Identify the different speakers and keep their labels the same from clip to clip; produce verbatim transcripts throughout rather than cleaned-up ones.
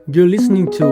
Speaker 1: You're listening to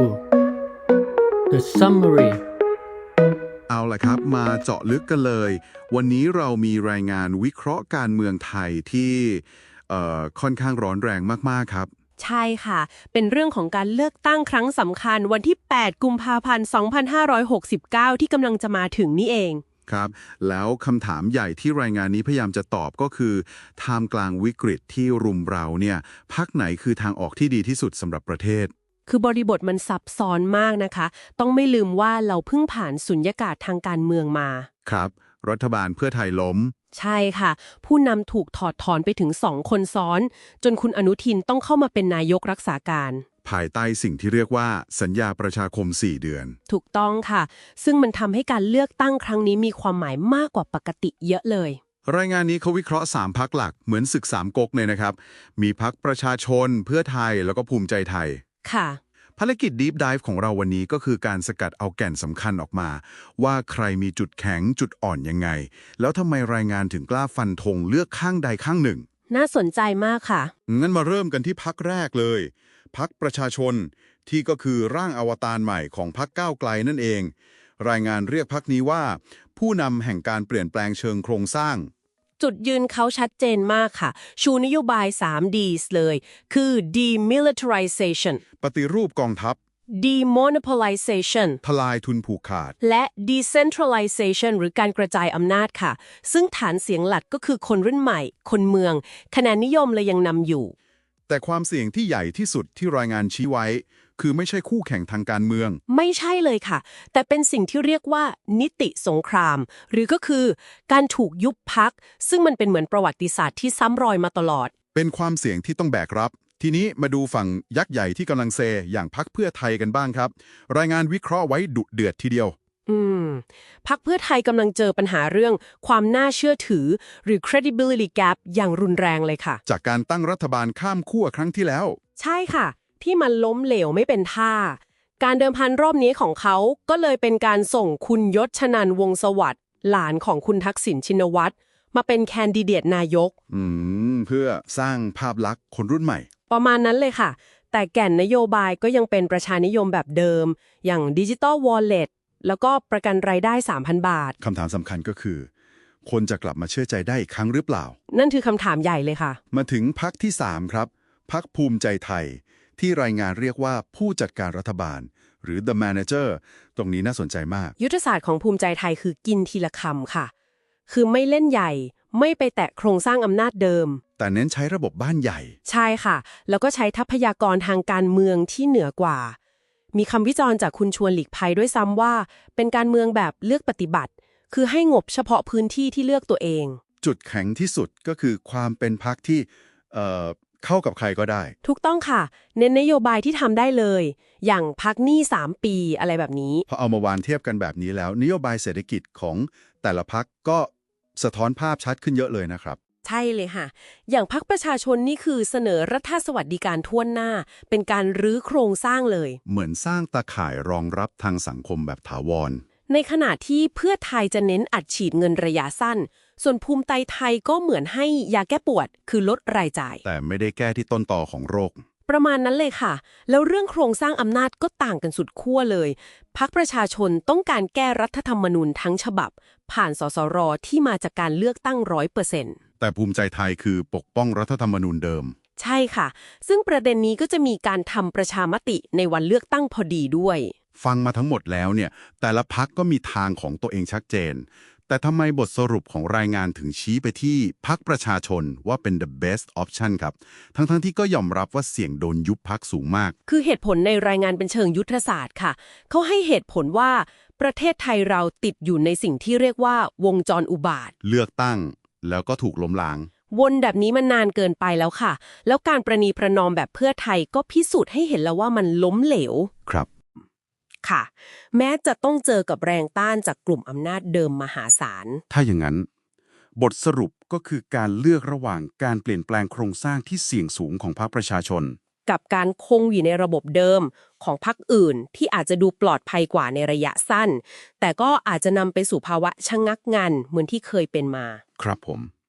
Speaker 1: The Summary
Speaker 2: เอาล่ะครับมาเจาะลึกกันเลย วันนี้เรามีรายงานวิเคราะห์การเมืองไทยที่เอ่อค่อนข้างร้อนแรงมากๆครับ
Speaker 3: ใช่ค่ะ เป็นเรื่องของการเลือกตั้งครั้งสำคัญวันที่ แปด กุมภาพันธ์ สองพันห้าร้อยหกสิบเก้า ที่กำลังจะมาถึงนี่เอง
Speaker 2: ครับ แล้วคำถามใหญ่ที่รายงานนี้พยายามจะตอบก็คือท่ามกลางวิกฤตที่รุมเราเนี่ยพรรคไหนคือทางออกที่ดีที่สุดสำหรับประเทศ
Speaker 3: คือบริบทมันซับซ้อนมากนะคะ ต้องไม่ลืมว่าเราเพิ่งผ่านสุญญากาศทางการเมืองมา
Speaker 2: ครับ รัฐบาลเพื่อไทยล้ม
Speaker 3: ใช่ค่ะ ผู้นำถูกถอดถอนไปถึงสองคนซ้อน จนคุณอนุทินต้องเข้ามาเป็นนายกรักษาการ
Speaker 2: ภายใต้สิ่งที่เรียกว่าสัญญาประชาคมสี่เดือน
Speaker 3: ถูกต้องค่ะ ซึ่งมันทำให้การเลือกตั้งครั้งนี้มีความหมายมากกว่าปกติเยอะเลย
Speaker 2: รายงานนี้เขาวิเคราะห์สามพรรคหลักเหมือนศึกสามก๊กเลยนะครับ มีพรรคประชาชนเพื่อไทยแล้วก็ภูมิใจไทย
Speaker 3: ค่ะ
Speaker 2: ภารกิจ Deep Dive ของเราวันนี้ก็คือการสกัดเอาแก่นสำคัญออกมา ว่าใครมีจุดแข็งจุดอ่อนยังไง แล้วทำไมรายงานถึงกล้าฟันธงเลือกข้างใดข้างหนึ่ง
Speaker 3: น่าสนใจมากค่ะ
Speaker 2: งั้นมาเริ่มกันที่พรรคแรกเลยพรรคประชาชนที่ก็คือร่างอวตารใหม่ของพรรคก้าวไกลนั่นเอง รายงานเรียกพรรคนี้ว่า ผู้นำแห่งการเปลี่ยนแปลงเชิงโครงสร้าง
Speaker 3: จุดยืนเขาชัดเจนมากค่ะ ชูนโยบาย สาม Ds เลย คือ demilitarization
Speaker 2: ปฏิรูปกองทัพ
Speaker 3: demonopolization
Speaker 2: ทลายทุนผูกขาด
Speaker 3: และ decentralization หรือการกระจายอำนาจค่ะ ซึ่งฐานเสียงหลักก็คือคนรุ่นใหม่ คนเมือง คะแนนนิยมเลยยังนำอยู่
Speaker 2: แต่ความเสี่ยงที่ใหญ่ที่สุดที่รายงานชี้ไว้ คือไม่ใช่คู่แข่งทางการเมือง
Speaker 3: ไม่ใช่เลยค่ะ แต่เป็นสิ่งที่เรียกว่านิติสงคราม หรือก็คือการถูกยุบพรรคซึ่งมันเป็นเหมือนประวัติศาสตร์ที่ซ้ำรอยมาตลอด
Speaker 2: เป็นความเสี่ยงที่ต้องแบกรับ ทีนี้มาดูฝั่งยักษ์ใหญ่ที่กำลังเซอย่างพรรคเพื่อไทยกันบ้างครับ รายงานวิเคราะห์ไว้ดุเดือดทีเดียว
Speaker 3: อืมพรรคเพื่อไทยกำลังเจอปัญหาเรื่องความน่าเชื่อถือ หรือ credibility gap อย่างรุนแรงเลยค่ะ
Speaker 2: จากการตั้งรัฐบาลข้ามขั้วครั้งที่แล้ว
Speaker 3: ใช่ค่ะ ที่มันล้มเหลวไม่เป็นท่า การเดิมพันรอบนี้ของเขาก็เลยเป็นการส่งคุณยศชนันท์วงศ์สวัสดิ์หลานของคุณทักษิณชินวัตรมาเป็นแคนดิเดตนายก
Speaker 2: อืม เพื่อสร้างภาพลักษณ์คนรุ่นใหม่
Speaker 3: ประมาณนั้นเลยค่ะ แต่แก่นนโยบายก็ยังเป็นประชานิยมแบบเดิม อย่าง Digital Wallet แล้วก็ประกันรายได้ สามพัน บาท
Speaker 2: คำถามสำคัญก็คือ คนจะกลับมาเชื่อใจได้อีกครั้งหรือเปล่า
Speaker 3: นั่นคือคำถามใหญ่เลยค่ะ
Speaker 2: มาถึงพรรคที่สามครับพรรคภูมิใจไทย ที่รายงานเรียกว่าผู้จัดการรัฐบาล หรือ the manager ตรงนี้น่าสนใจมาก
Speaker 3: ยุทธศาสตร์ของภูมิใจไทยคือกินทีละคำค่ะ คือไม่เล่นใหญ่ ไม่ไปแตะโครงสร้างอำนาจเดิม
Speaker 2: แต่เน้นใช้ระบบบ้านใหญ่
Speaker 3: ใช่ค่ะ แล้วก็ใช้ทรัพยากรทางการเมืองที่เหนือกว่า มีคำวิจารณ์จากคุณชวนหลีกภัยด้วยซ้ำว่า เป็นการเมืองแบบเลือกปฏิบัติ คือให้งบเฉพาะพื้นที่ที่เลือกตัวเอง
Speaker 2: จุดแข็งที่สุดก็คือความเป็นพรรคที่เอ่อเข้ากับใครก็ได้
Speaker 3: ถูกต้องค่ะ เน้นนโยบายที่ทำได้เลย อย่างพักหนี้สามปีอะไรแบบนี้
Speaker 2: พอเอามาวานเทียบกันแบบนี้แล้ว นโยบายเศรษฐกิจของแต่ละพรรคก็สะท้อนภาพชัดขึ้นเยอะเลยนะครับ
Speaker 3: ใช่เลยค่ะ อย่างพรรคประชาชนนี่คือเสนอรัฐสวัสดิการทั่วหน้า เป็นการรื้อโครงสร้างเลย
Speaker 2: เหมือนสร้างตาข่ายรองรับทางสังคมแบบถาวร
Speaker 3: ในขณะที่เพื่อไทยจะเน้นอัดฉีดเงินระยะสั้น ส่วนภูมิใจไทยก็เหมือนให้ยาแก้ปวด คือลดรายจ่าย
Speaker 2: แต่ไม่ได้แก้ที่ต้นตอของโรค
Speaker 3: ประมาณนั้นเลยค่ะ แล้วเรื่องโครงสร้างอำนาจก็ต่างกันสุดขั้วเลยพรรคประชาชนต้องการแก้รัฐธรรมนูญทั้งฉบับ ผ่านสสรที่มาจากการเลือกตั้งร้อยเปอร์เซ็นต์
Speaker 2: แต่ภูมิใจไทยคือปกป้องรัฐธรรมนูญเดิม
Speaker 3: ใช่ค่ะ ซึ่งประเด็นนี้ก็จะมีการทำประชามติในวันเลือกตั้งพอดีด้วย
Speaker 2: ฟังมาทั้งหมดแล้วเนี่ยแต่ละพรรคก็มีทางของตัวเองชัดเจน แต่ทำไมบทสรุปของรายงานถึงชี้ไปที่พรรคประชาชนว่าเป็น the best option ครับ ทั้งๆทที่ก็ยอมรับว่าเสี่ยงโดนยุบพรรคสูงมาก
Speaker 3: คือเหตุผลในรายงานเป็นเชิงยุทธศาสตร์ค่ะ เขาให้เหตุผลว่าประเทศไทยเราติดอยู่ในสิ่งที่เรียกว่าวงจรอุบาท
Speaker 2: เลือกตั้งแล้วก็ถูกล้มล้าง
Speaker 3: วนแบบนี้มันนานเกินไปแล้วค่ะ แล้วการประนีประนอมแบบเพื่อไทยก็พิสูจน์ให้เห็นแล้วว่ามันล้มเหลว
Speaker 2: ครับ
Speaker 3: ค่ะ แม้จะต้องเจอกับแรงต้านจากกลุ่มอำนาจเดิมมหาศาล
Speaker 2: ถ้าอย่างนั้น บทสรุปก็คือการเลือกระหว่างการเปลี่ยนแปลงโครงสร้างที่เสี่ยงสูงของพรรคประชาชน
Speaker 3: กับการคงอยู่ในระบบเดิมของพรรคอื่นที่อาจจะดูปลอดภัยกว่าในระยะสั้น แต่ก็อาจจะนำไปสู่ภาวะชะงักงันเหมือนที่เคยเป็นมา
Speaker 2: ครับผม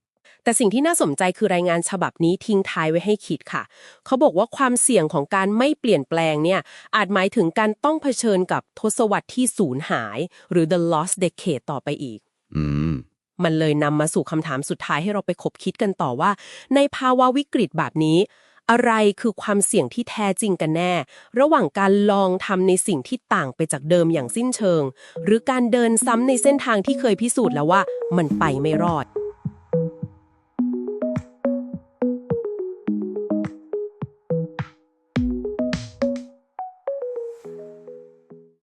Speaker 3: แต่สิ่งที่น่าสนใจคือรายงานฉบับนี้ทิ้งท้ายไว้ให้คิดค่ะเขาบอกว่าความเสี่ยงของการไม่เปลี่ยนแปลงเนี่ยอาจหมายถึงการต้องเผชิญกับทศวรรษที่สูญหายหรือ the lost decade ต่อไปอีก
Speaker 2: อืม
Speaker 3: มันเลยนำมาสู่คำถามสุดท้ายให้เราไปคบคิดกันต่อว่าในภาวะวิกฤตแบบนี้อะไรคือความเสี่ยงที่แท้จริงกันแน่ ระหว่างการลองทำในสิ่งที่ต่างไปจากเดิมอย่างสิ้นเชิงหรือการเดินซ้ำในเส้นทางที่เคยพิสูจน์แล้วว่ามันไปไม่รอด